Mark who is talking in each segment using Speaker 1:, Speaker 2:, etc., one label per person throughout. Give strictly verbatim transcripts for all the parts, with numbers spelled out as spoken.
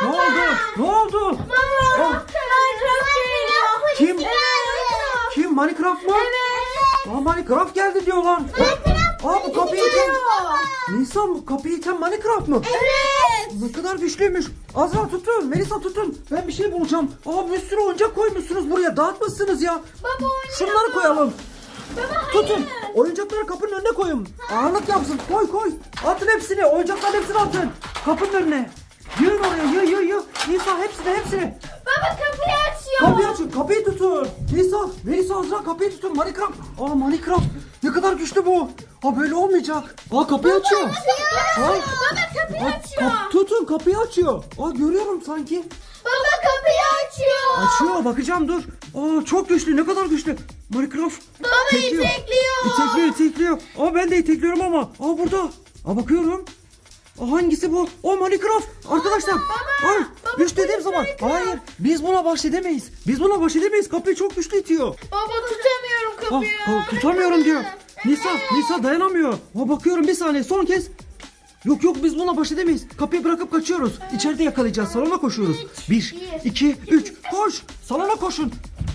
Speaker 1: oldu? Ne oldu?
Speaker 2: Baba.
Speaker 1: Oh. Kim? Kim? Minecraft mı?
Speaker 2: Evet.
Speaker 1: Aa, Minecraft geldi diyorlar. Aa, bu kapıyı iten. Nisan, bu kapıyı iten Minecraft mı?
Speaker 2: Evet.
Speaker 1: Ne kadar güçlüymüş. Azra tutun, Melisa tutun. Ben bir şey bulacağım. Aa, bir sürü oyuncak koymuşsunuz buraya. Dağıtmışsınız ya.
Speaker 2: Baba oynuyor.
Speaker 1: Şunları koyalım.
Speaker 2: Baba hayır.
Speaker 1: Tutun. Oyuncakları kapının önüne koyun. Ağırlık yapsın. Koy koy. Atın hepsini. Oyuncakların hepsini atın. Kapının önüne. Yığın oraya. Yığ yığ yığ. Nisa hepsini hepsini.
Speaker 2: Baba kapıyı açıyor.
Speaker 1: Kapıyı açın. Kapıyı tutun. Nisa. Melisa Azra kapıyı tutun. Minecraft. Aa, Minecraft. Ne kadar güçlü bu. Ha, böyle olmayacak. Aa, kapıyı açıyor.
Speaker 2: Baba
Speaker 1: Aa.
Speaker 2: kapıyı
Speaker 1: Aa,
Speaker 2: açıyor.
Speaker 1: kap- tutun, kapıyı açıyor. Aa, görüyorum sanki.
Speaker 2: Baba kapıyı açıyor.
Speaker 1: Açıyor, bakacağım dur. Aa, çok güçlü, ne kadar güçlü. Minecraft.
Speaker 2: Baba
Speaker 1: İtekliyor.
Speaker 2: itekliyor.
Speaker 1: İtekliyor, itekliyor. Aa, ben de itekliyorum ama. Aa, burada. Aa, bakıyorum. Aa, hangisi bu? O Minecraft. Arkadaşlar.
Speaker 2: baba,
Speaker 1: Ay,
Speaker 2: baba,
Speaker 1: güç dediğim
Speaker 2: polis
Speaker 1: zaman.
Speaker 2: Minecraft.
Speaker 1: Hayır, biz buna baş edemeyiz. Biz buna baş edemeyiz. Kapıyı çok güçlü itiyor.
Speaker 2: Baba tutamıyorum
Speaker 1: Ah,
Speaker 2: kapıyı.
Speaker 1: ah, tutamıyorum diyor. Nisa, Nisa dayanamıyor. Aa, bakıyorum bir saniye, son kez. Yok yok, biz buna baş edemeyiz. Kapıyı bırakıp kaçıyoruz. İçeride yakalayacağız. Salona koşuyoruz. Bir, iki, üç. Koş. Salona koşun.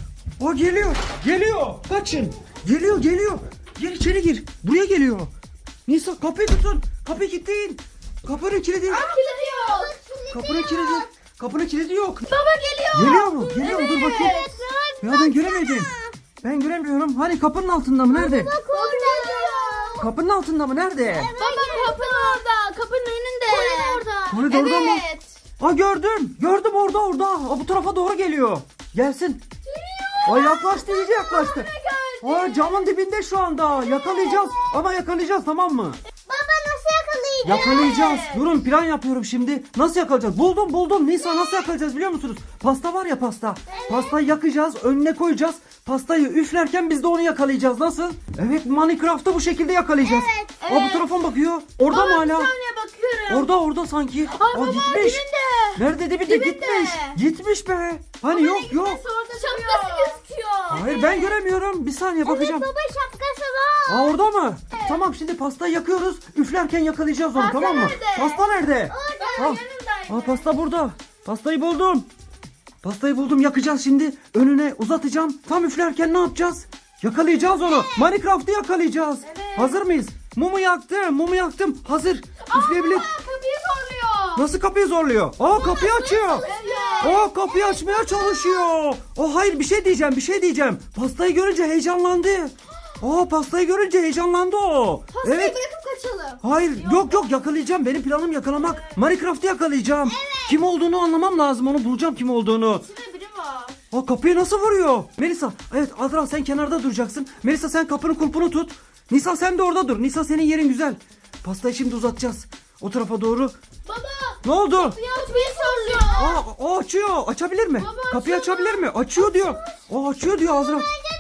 Speaker 1: O geliyor. Geliyor. Kaçın. Geliyor geliyor. Gel içeri gir. Buraya geliyor. Nisa, kapıyı tutun. Kapıyı kilitleyin. Kapının kilidi.
Speaker 2: Kilidi yok.
Speaker 1: Kapının kilidi. Kapının kilidi yok.
Speaker 2: Baba geliyor.
Speaker 1: Geliyor mu? Geliyor mu? Dur bakayım. Ya ben göremedim. Ben göremiyorum. Hani kapının altında mı? Nerede?
Speaker 2: Bak orada.
Speaker 1: Kapının altında mı? Nerede?
Speaker 2: Baba kapının orada. Kapının önünde. Kolin orada.
Speaker 1: Koridorda mı?
Speaker 2: Evet.
Speaker 1: Aa, gördüm. Gördüm, orada orada. Aa, bu tarafa doğru geliyor. Gelsin. Aa, yaklaştı, iyice yaklaştı. Aa, camın dibinde şu anda. Yakalayacağız. Ama yakalayacağız, tamam mı?
Speaker 2: Baba nasıl yakalayacağız?
Speaker 1: Yakalayacağız. Durun, plan yapıyorum şimdi. Nasıl yakalayacağız? Buldum buldum. Nisa, nasıl yakalayacağız biliyor musunuz? Pasta var ya, pasta. Pastayı yakacağız. Önüne koyacağız. Pastayı üflerken biz de onu yakalayacağız. Nasıl? Evet, Minecraft'ta bu şekilde yakalayacağız.
Speaker 2: Evet,
Speaker 1: Aa, bu
Speaker 2: evet.
Speaker 1: telefon bakıyor. Orada
Speaker 2: Baba
Speaker 1: mı
Speaker 2: bir
Speaker 1: hala?
Speaker 2: saniye bakıyorum.
Speaker 1: Orada orada sanki.
Speaker 2: Ay
Speaker 1: Aa,
Speaker 2: baba
Speaker 1: gitmiş.
Speaker 2: dibinde.
Speaker 1: Nerede dibinde?
Speaker 2: Dibinde.
Speaker 1: Gitmiş. Gitmiş be. Hani yok yok.
Speaker 2: Şapkası gözüküyor.
Speaker 1: Hayır, ben göremiyorum. Bir saniye bakacağım.
Speaker 2: baba şapkası var.
Speaker 1: Aa, orada mı? Tamam, şimdi pastayı yakıyoruz. Üflerken yakalayacağız onu,
Speaker 2: Pasta
Speaker 1: tamam mı?
Speaker 2: nerede?
Speaker 1: Pasta nerede?
Speaker 2: Orada
Speaker 1: Aa,
Speaker 2: yanındaydı.
Speaker 1: aa, pasta burada. Pastayı buldum. Pastayı buldum, yakacağız şimdi. Önüne uzatacağım. Tam üflerken ne yapacağız? Yakalayacağız onu. Minecraft'ı yakalayacağız.
Speaker 2: Evet.
Speaker 1: Hazır mıyız? Mumu yaktım. Mumu yaktım. Hazır. Üfleyebilir.
Speaker 2: Aa, kapıyı zorluyor.
Speaker 1: Nasıl kapıyı zorluyor? Aa, kapıyı açıyor.
Speaker 2: Evet.
Speaker 1: Aa, kapıyı açmaya çalışıyor. Aa, hayır, bir şey diyeceğim, bir şey diyeceğim. Pastayı görünce heyecanlandı. Aa, pastayı görünce heyecanlandı o.
Speaker 2: Pastayı
Speaker 1: Evet.
Speaker 2: bırakıp kaçalım.
Speaker 1: Hayır, yok yok, yakalayacağım. Benim planım yakalamak. Minecraft'ı yakalayacağım. Kim olduğunu anlamam lazım. Onu bulacağım, kim olduğunu.
Speaker 2: İçinde biri var.
Speaker 1: Aa, kapıyı nasıl vuruyor? Melisa, evet, Azra sen kenarda duracaksın. Melisa, sen kapının kulpunu tut. Nisa, sen de orada dur. Nisa, senin yerin güzel. Pastayı şimdi uzatacağız. O tarafa doğru.
Speaker 2: Baba.
Speaker 1: Ne oldu?
Speaker 2: Kapıyı açmayı zorluyor.
Speaker 1: Aa, o açıyor. Açabilir mi?
Speaker 2: Baba,
Speaker 1: Kapıyı
Speaker 2: açıyor.
Speaker 1: açabilir mi? Açıyor diyor. O açıyor diyor Azra.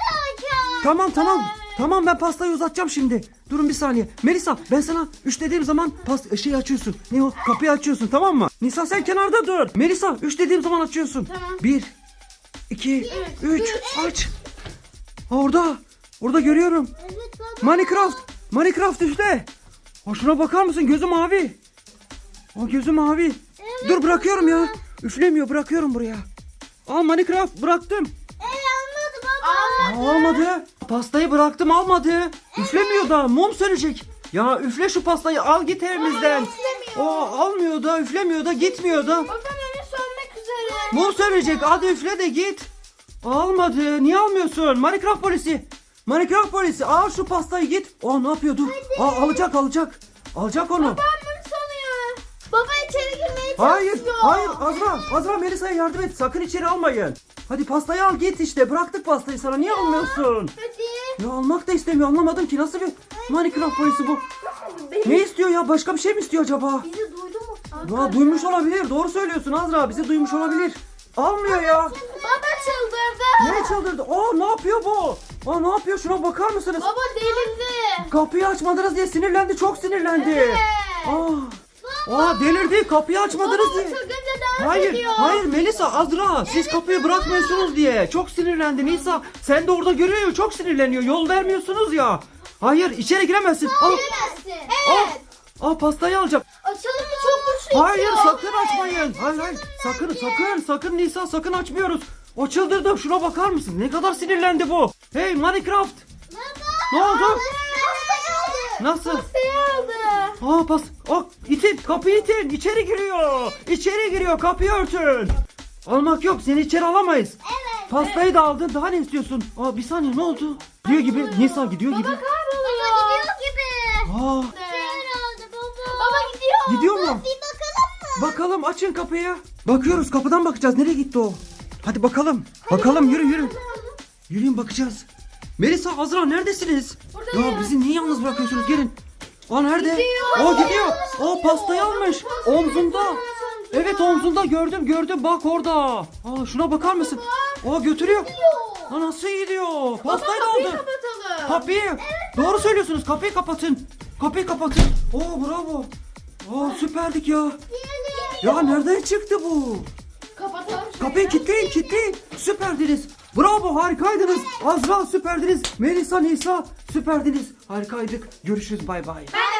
Speaker 1: Tamam tamam. Tamam, ben pastayı uzatacağım şimdi. Durun bir saniye. Melisa, ben sana üç dediğim zaman past şeyi açıyorsun. Ne o? Kapıyı açıyorsun, tamam mı? Nisa, sen kenarda dur. Melisa, üç dediğim zaman açıyorsun.
Speaker 2: Tamam.
Speaker 1: Bir, iki,
Speaker 2: üç,
Speaker 1: üç. Aç. Aa, orada. Orada görüyorum.
Speaker 2: Evet baba.
Speaker 1: Minecraft. Minecraft üstte. Aa, şuna bakar mısın? Gözü mavi. Aa, gözü mavi. Dur, bırakıyorum ya. Üflemiyor, bırakıyorum buraya. Aa, Minecraft bıraktım.
Speaker 2: Evet anladım baba. Almadı.
Speaker 1: Almadı. Pastayı bıraktım, almadı. Üflemiyor da, mum sönecek. Ya üfle şu pastayı, al git evimizden.
Speaker 2: üflemiyor.
Speaker 1: O almıyor da, üflemiyor da, gitmiyor da.
Speaker 2: Babam önü sönmek üzere.
Speaker 1: Mum sönecek, hadi üfle de git. Almadı. Niye almıyorsun? Minecraft polisi. Minecraft polisi, al şu pastayı, git. Aa, ne yapıyor? Dur. Aa, alacak alacak. Alacak onu.
Speaker 2: Babam mum sanıyor. Baba içeri girmeye
Speaker 1: Hayır,
Speaker 2: çalışıyor.
Speaker 1: hayır, Azra, Azra, Melisa'ya yardım et. Sakın içeri almayın. Hadi pastayı al git işte. Bıraktık pastayı sana. Niye almıyorsun?
Speaker 2: Hadi.
Speaker 1: Ya almak da istemiyor. Anlamadım ki, nasıl bir Minecraft polisi bu? Ne istiyor ya? Başka bir şey mi istiyor acaba?
Speaker 2: Bizi duydu mu?
Speaker 1: Ya duymuş olabilir. Doğru söylüyorsun Azra. Bizi duymuş olabilir. Almıyor ya.
Speaker 2: Baba çıldırdı.
Speaker 1: Ne çıldırdı? Aa, ne yapıyor bu? Aa, ne yapıyor? Şuna bakar mısınız?
Speaker 2: Baba delirdi.
Speaker 1: Kapıyı açmadınız diye sinirlendi. Çok sinirlendi.
Speaker 2: Evet.
Speaker 1: Aa, aa, delirdi. Kapıyı açmadınız
Speaker 2: Baba
Speaker 1: diye.
Speaker 2: çılgınca dans
Speaker 1: Hayır,
Speaker 2: ediyor.
Speaker 1: hayır Melisa, Azra, siz kapıyı bırakmıyorsunuz diye. Çok sinirlendi Nisa. Sen de orada görüyor ya, çok sinirleniyor. Yol vermiyorsunuz ya. Hayır, içeri giremezsin. Al,
Speaker 2: Giremezsin.
Speaker 1: al.
Speaker 2: Evet.
Speaker 1: Aa pastayı alacak.
Speaker 2: Açalım mı? Çok güçlü.
Speaker 1: Hayır
Speaker 2: itiyor.
Speaker 1: sakın açmayın. Hayır hayır. Sakın sakın sakın Nisa sakın açmıyoruz. O çıldırdı. Şuna bakar mısın? Ne kadar sinirlendi bu. Hey Minecraft. Ne oldu? Nasıl?
Speaker 2: Pastayı aldı.
Speaker 1: Aa pas. Aa, itin. Kapıyı itin. İçeri giriyor. İçeri giriyor. Kapıyı örtün. Almak yok. Seni içeri alamayız.
Speaker 2: Evet.
Speaker 1: Pastayı da aldın. Daha ne istiyorsun? Aa bir saniye ne oldu? Gidiyor gibi. Nisa gidiyor gibi.
Speaker 2: Baba kayboluyor. Baba gidiyor gibi.
Speaker 1: Aa
Speaker 2: Şeyler aldı baba. Baba gidiyor.
Speaker 1: gidiyor mu?
Speaker 2: Bir bakalım mı?
Speaker 1: Bakalım açın kapıyı. Bakıyoruz kapıdan bakacağız. Nereye gitti o? Hadi bakalım. Bakalım yürü yürü. Yürüyün bakacağız. Melisa, Azra neredesiniz?
Speaker 2: Buradayım.
Speaker 1: Ya bizi niye yalnız bırakıyorsunuz? Gelin. Aa nerede?
Speaker 2: Gidiyor.
Speaker 1: Aa gidiyor. Aa pastayı almış. Omzunda. Evet omzunda gördüm gördüm bak orada. Aa şuna bakar mısın? Aa götürüyor. Aa nasıl gidiyor? Pastayı da
Speaker 2: Kapıyı
Speaker 1: aldı.
Speaker 2: kapatalım.
Speaker 1: Kapıyı. Doğru söylüyorsunuz. Kapıyı kapatın. Kapıyı kapatın. Oo bravo. Aa süperdik ya. Ya nereden çıktı bu?
Speaker 2: Kapatalım.
Speaker 1: Kapıyı kilitleyin kilitleyin. Süperdiniz. Bravo harikaydınız. Azra süperdiniz. Melisa Nisa süperdiniz. Harikaydık. Görüşürüz bay bay.
Speaker 2: Ben